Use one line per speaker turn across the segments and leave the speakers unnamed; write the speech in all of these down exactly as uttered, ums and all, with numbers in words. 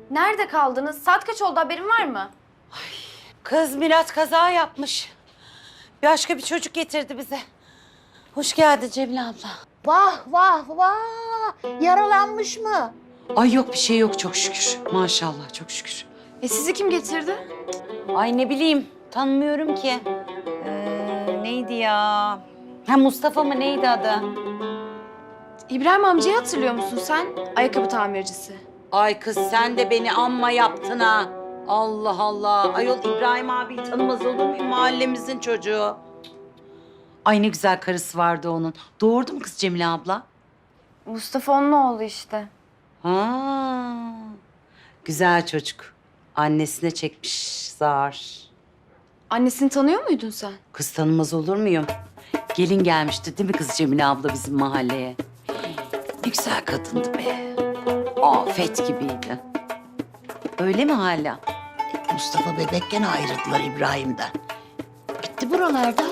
Nerede kaldınız? Saat kaç oldu, haberin var mı?
Kız Mirat kaza yapmış. Başka bir çocuk getirdi bize. Hoş geldin Cemile abla.
Vah vah vah! Yaralanmış mı?
Ay yok bir şey yok çok şükür. Maşallah çok şükür.
E sizi kim getirdi?
Ay ne bileyim tanımıyorum ki. Ee, neydi ya? Ha Mustafa mı neydi adı?
İbrahim amcayı hatırlıyor musun sen? Ayakkabı tamircisi.
Ay kız sen de beni amma yaptın ha. Allah Allah. Ayol İbrahim abiyi tanımaz olur muyum? Mahallemizin çocuğu. Ay ne güzel karısı vardı onun. Doğurdu mu kız Cemile abla?
Mustafa onun oğlu işte.
Ha, güzel çocuk. Annesine çekmiş zar.
Annesini tanıyor muydun sen?
Kız tanımaz olur muyum? Gelin gelmişti değil mi kız Cemile abla bizim mahalleye? Ne güzel kadındı be. Afet gibiydi. Öyle mi hala?
Mustafa bebekken ayrıldılar İbrahim'den. Gitti buralardan.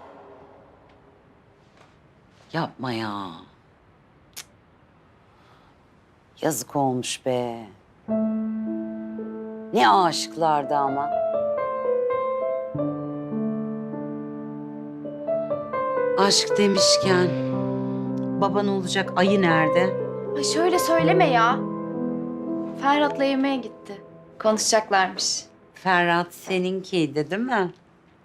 Yapma ya. Cık. Yazık olmuş be. Ne aşıklardı ama. Aşk demişken baban olacak ayı nerede?
Ay şöyle söyleme ya. Ferhat'la yemeğe gitti. Konuşacaklarmış.
Ferhat seninkiydi değil mi?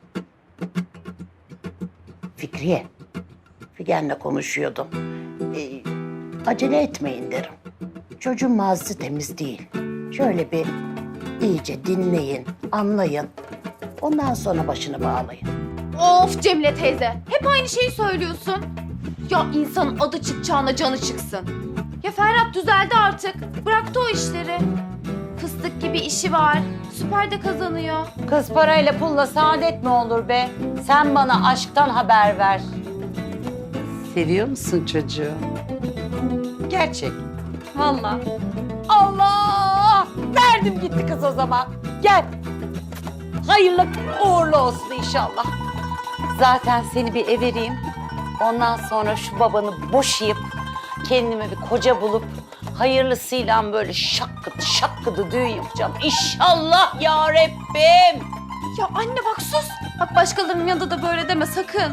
Fikriye, Figen'le konuşuyordum. Ee, acele etmeyin derim. Çocuğun mazisi temiz değil. Şöyle bir iyice dinleyin, anlayın. Ondan sonra başını bağlayın.
Of Cemile teyze. Hep aynı şeyi söylüyorsun. Ya insanın adı çıkacağına canı çıksın. Ya Ferhat düzeldi artık. Bıraktı o işleri. Fıstık gibi işi var. Süper de kazanıyor.
Kız parayla pulla saadet mi olur be? Sen bana aşktan haber ver. Seviyor musun çocuğu? Gerçek. Vallahi. Allah! Verdim gitti kız o zaman. Gel. Hayırlı uğurlu olsun inşallah. Zaten seni bir ev vereyim. Ondan sonra şu babanı boşayıp kendime bir koca bulup hayırlısıyla böyle şakkıdı şakkıdı düğün yapacağım. İnşallah ya Rabbim.
Ya anne bak sus. Bak başkalarının yanında da böyle deme sakın.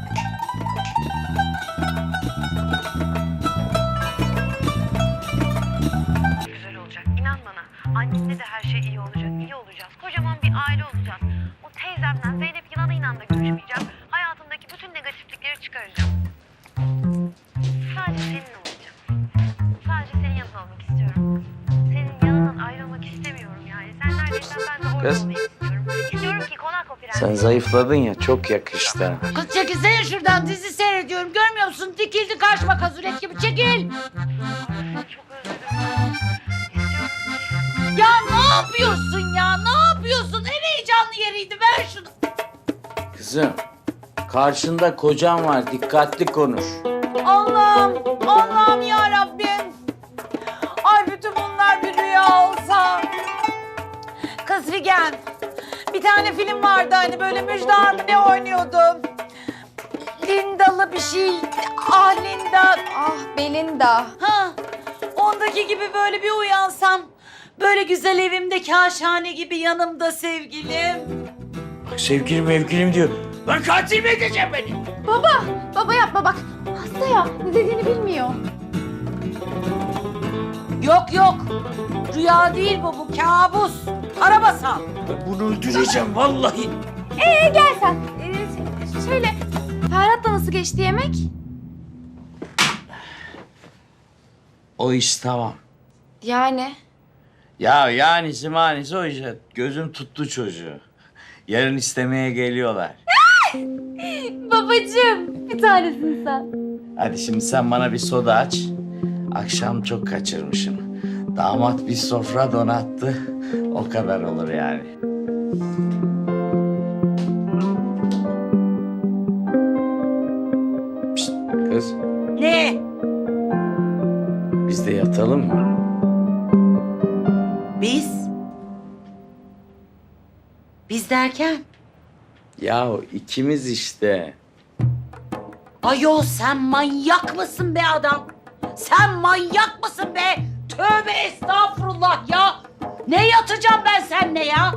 Güzel olacak. İnan bana. Annenle de her şey iyi olacak. İyi olacağız. Kocaman bir aile olacağız. O teyzemden Zeynep yılanıyla da görüşmeyeceğim. Hayatımdaki bütün negatiflikleri çıkaracağım. Sadece senin olacağım. Sadece senin yanında olmak istiyorum. Senin yanından ayrılmak istemiyorum yani. Sen neredeysen ben de orada
Kız.
olmayı istiyorum. İstiyorum ki konak o prens.
Sen zayıfladın ya, çok yakıştı.
Kız çekilsene şuradan, dizi seyrediyorum. Görmüyor musun? Dikildi karşıma kazulet gibi. Çekil!
Çok özledim. İstiyorum ki.
Ya ne yapıyorsun ya? Ne yapıyorsun? En heyecanlı yeriydi. Ver şunu.
Kızım, karşında kocan var, dikkatli konuş.
Allah'ım, Allah'ım ya Rabbim. Ay bütün bunlar bir rüya olsa. Kız Figen, bir tane film vardı hani böyle Müjdat mı ne oynuyordu? Lindalı bir şey. Ah Linda.
Ah Belinda.
Ha, ondaki gibi böyle bir uyansam. Böyle güzel evimde kaşhane gibi yanımda sevgilim.
Bak sevgilim mevgilim diyor. Lan katil mi edeceğim beni?
Baba. Baba yapma bak. Hasta ya. Ne dediğini bilmiyor.
Yok yok. Rüya değil bu, bu kabus. Karabasan.
Ben bunu öldüreceğim vallahi.
Ee gel sen. Ee, şöyle. Ferhat'la nasıl geçti yemek?
O iş tamam.
Yani.
Ya yanisi manisi o işte. Gözüm tuttu çocuğu. Yarın istemeye geliyorlar.
Babacığım. Bir tanesin sen.
Hadi şimdi sen bana bir soda aç. Akşam çok kaçırmışım. Damat bir sofra donattı. O kadar olur yani. Pişt, kız,
Ne?
biz de yatalım mı?
Biz? Biz derken?
Yahu ikimiz işte.
Ayol sen manyak mısın be adam? Sen manyak mısın be? Tövbe estağfurullah ya.
Ne yatacağım ben seninle ya?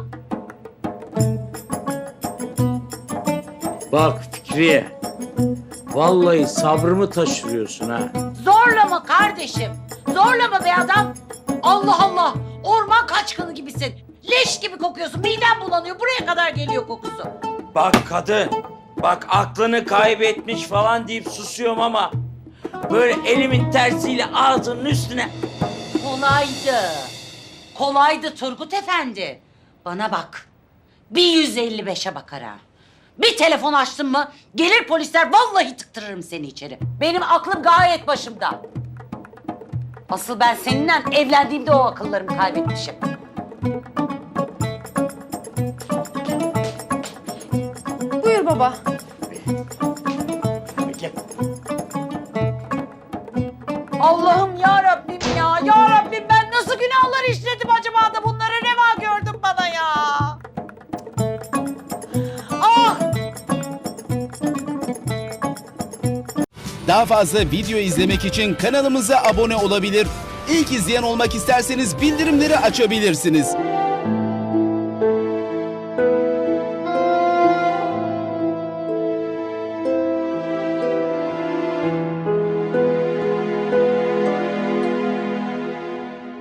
Bak Fikriye, vallahi sabrımı taşırıyorsun ha.
Zorlama kardeşim. Zorlama be adam. Allah Allah. Orman kaçkını gibisin. Leş gibi kokuyorsun. Midem bulanıyor. Buraya kadar geliyor kokusu.
Bak kadın, bak aklını kaybetmiş falan deyip susuyorum ama böyle elimin tersiyle ağzının üstüne.
Kolaydı. Kolaydı Turgut Efendi. Bana bak. Bir yüz elli beşe bakar ha. Bir telefon açtın mı gelir polisler, vallahi tıktırırım seni içeri.
Benim aklım gayet başımda. Asıl ben seninle evlendiğimde o akıllarımı kaybetmişim.
Buyur baba.
Peki.
Allah'ım ya Rabbim ya. Ya Rabbim ben nasıl günahlar işledim acaba da bunlara reva gördün bana ya. Ah!
Daha fazla video izlemek için kanalımıza abone olabilir. İlk izleyen olmak isterseniz bildirimleri açabilirsiniz.